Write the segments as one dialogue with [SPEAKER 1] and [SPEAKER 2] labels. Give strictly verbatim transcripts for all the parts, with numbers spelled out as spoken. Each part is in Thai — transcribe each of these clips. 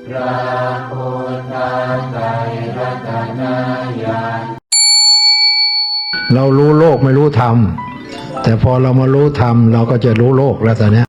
[SPEAKER 1] พระพุทธไตรรัตนญาณ
[SPEAKER 2] เรารู้โลกไม่รู้ธรรมแต่พอเรามารู้ธรรมเราก็จะรู้โลกแล้วตอนนี้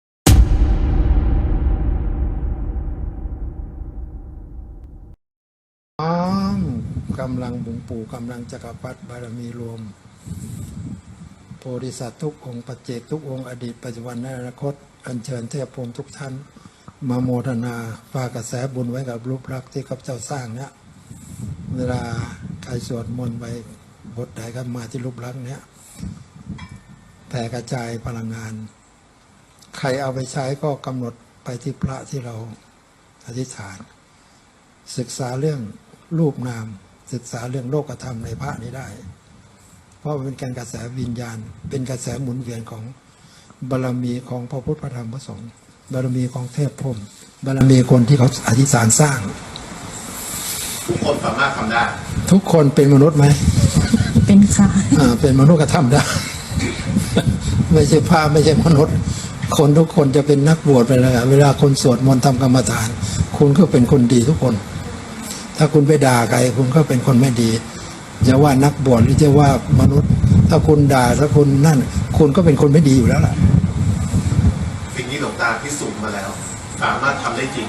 [SPEAKER 2] น้อมกำลังบุญปู่กำลังจักรพรรดิบารมีรวมโพธิสัตว์ทุกองค์ปัจเจกทุกองค์อดีตปัจจุบันและอนาคตอัญเชิญเทพพรหมทุกท่านมาโมทนาฝากกระแสบุญไว้กับรูปรักษ์ที่ข้าพเจ้าสร้างเนี่ยเวลาใครสวดมนต์ไปบทใดก็มาที่รูปลักษณ์เนี้ยแผ่กระจายพลังงานใครเอาไปใช้ก็กำหนดไปที่พระที่เราอธิษฐานศึกษาเรื่องรูปนามศึกษาเรื่องโลกธรรมในพระนี้ได้เพราะมันเป็นการกระแสวิญญาณเป็นกระแสหมุนเวียนของบารมีของพระพุทธพระธรรมพระสงฆ์บารมีของเทพพรหมบารมีคนที่เขาอธิษฐานสร้าง
[SPEAKER 3] ทุกคนสามารถทำได้
[SPEAKER 2] ทุกคนเป็นมนุษย์ไหม
[SPEAKER 4] เป็นค่ะ
[SPEAKER 2] อ่าเป็นมนุษย์ก็ทำได้ ไม่ใช่พระไม่ใช่มนุษย์คนทุกคนจะเป็นนักบวชไปเลยเวลาคนสวดมนต์ทำกรรมฐานคุณก็เป็นคนดีทุกคนถ้าคุณไปด่าใครคุณก็เป็นคนไม่ดีจะว่านักบวชหรือจะว่ามนุษย์ถ้าคุณด่าถ้าคุณนั่นคุณก็เป็นคนไม่ดีอยู่แล้วล่ะ
[SPEAKER 3] สิ่งนี้หลวงตาพิสูจน์มาแล้วสามารถทำได้จริง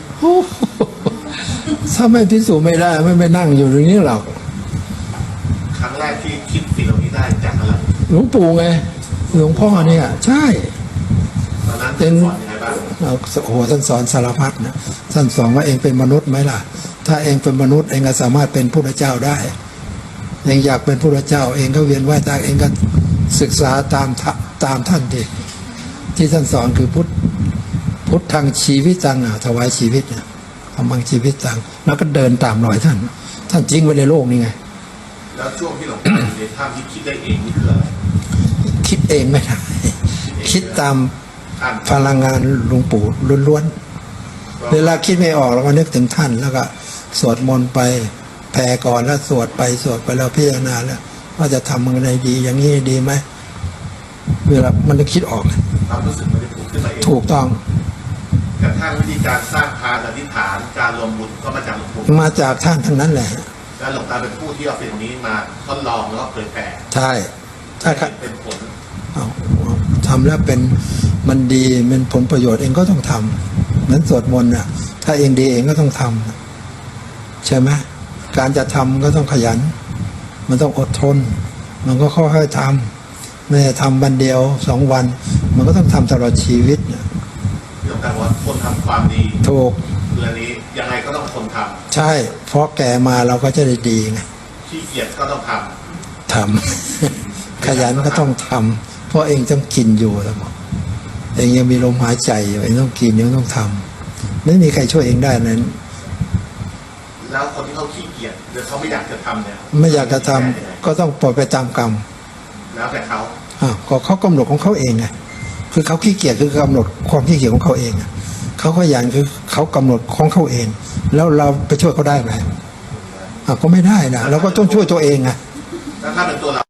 [SPEAKER 2] ถ้าไม่พิสูจน์ไม่ได้ไม่ไปนั่งอยู่ตรงนี้หรอก
[SPEAKER 3] ครั้งแรกที่คิดสิ่งเหล่านี้ได้จากอะไร
[SPEAKER 2] หลวงปู่ไงหลวงพ่อเนี่ยใช่
[SPEAKER 3] ตอนนั้นเป็นสอนยังไงบ้าง
[SPEAKER 2] โอ้โหท่านสอนสารพัดนะท่านสอนว่าเองเป็นมนุษย์ไหมล่ะถ้าเองเป็นมนุษย์เองก็สามารถเป็นพระเจ้าได้เองอยากเป็นพระเจ้าเองก็เวียนว่ายตายเองก็ศึกษาตามตามท่านดิที่ท่านสอนคือพุทธพุทธทางชีวิตจังอ่ะถวายชีวิตเนี่ยทำบังชีวิตจังแล้วก็เดินตามรอยท่านท่านจริงไว้ในโลกนี่ไง
[SPEAKER 3] แล้วช่วงที่หลวงพ่ออยู่ในถ้ำที่คิดได้เองนี่คืออะไร
[SPEAKER 2] คิดเองไม่ได้คิดตามพลังงานหลวงปู่ล้วนๆเวลาคิดไม่ออกเราก็นึกถึงท่านแล้วก็สวดมนต์ไปแผ่ก่อนแล้วสวดไปสวดไปแล้วพิจารณาแล้วว่าจะทำมันอะไรดีอย่างนี้ดีไหมเวลามันจะคิดออก
[SPEAKER 3] ความรู้สึกมันจะถูกขึ้นมาเอง
[SPEAKER 2] ถูกต้อง
[SPEAKER 3] กระทั่งวิธีการสร้างทานอธิษฐานการรวมบุญก็มาจากหลวงปู่
[SPEAKER 2] มาจากท่านทั้งนั้นแหละ
[SPEAKER 3] แล้วหลวงตาเป็นผู้ที่เอาสิ่งนี้มาทดลองแล้วก็เผยแผ่
[SPEAKER 2] ใช่ถ้า
[SPEAKER 3] เป็นผล
[SPEAKER 2] ทำแล้วเป็นมันดีเป็นผลประโยชน์เองก็ต้องทำเหมือนสวดมนต์น่ะถ้าเองดีเองก็ต้องทำใช่ไหมการจะทำก็ต้องขยันมันต้องอดทนมันก็ค่อยๆทำไม่ได้ทำวันเดียวสองวันมันก็ต้องทำตลอดชีวิตเนี่ย
[SPEAKER 3] เรื่องการว่าคนทำความดี
[SPEAKER 2] ถูก
[SPEAKER 3] เรื่องนี้ยังไงก็ต้องคนทำ
[SPEAKER 2] ใช่เพราะแก่มาเราก็จะได้ดีไง
[SPEAKER 3] ขี้เกียจก็ต้องท
[SPEAKER 2] ำทำขยันก็ต้องทำเพราะเองต้องกินอยู่แล้วเองยังมีลมหายใจอยู่เองต้องกินยังต้องทำไม่มีใครช่วยเองได้นั้น
[SPEAKER 3] แล้วคนที่เขาขี้เกียจหรือเขาไม่อยากจะทำเนี่ย
[SPEAKER 2] ไม่อยากจะทำก็ต้องปล่อยไปตามกรรม
[SPEAKER 3] แล้วแต่เขา
[SPEAKER 2] อ่าก็เขากำหนดของเขาเองไงคือเขาขี้เกียจคือกำหนดความขี้เกียจของเขาเองเขาขยันคือเขากำหนดของเขาเองแล้วเราไปช่วยเขาได้ไหมอ่าก็ไม่ได้นะเราก็ต้องช่วยตัวเองไง
[SPEAKER 3] แล้วถ้าเป็นตัวเรา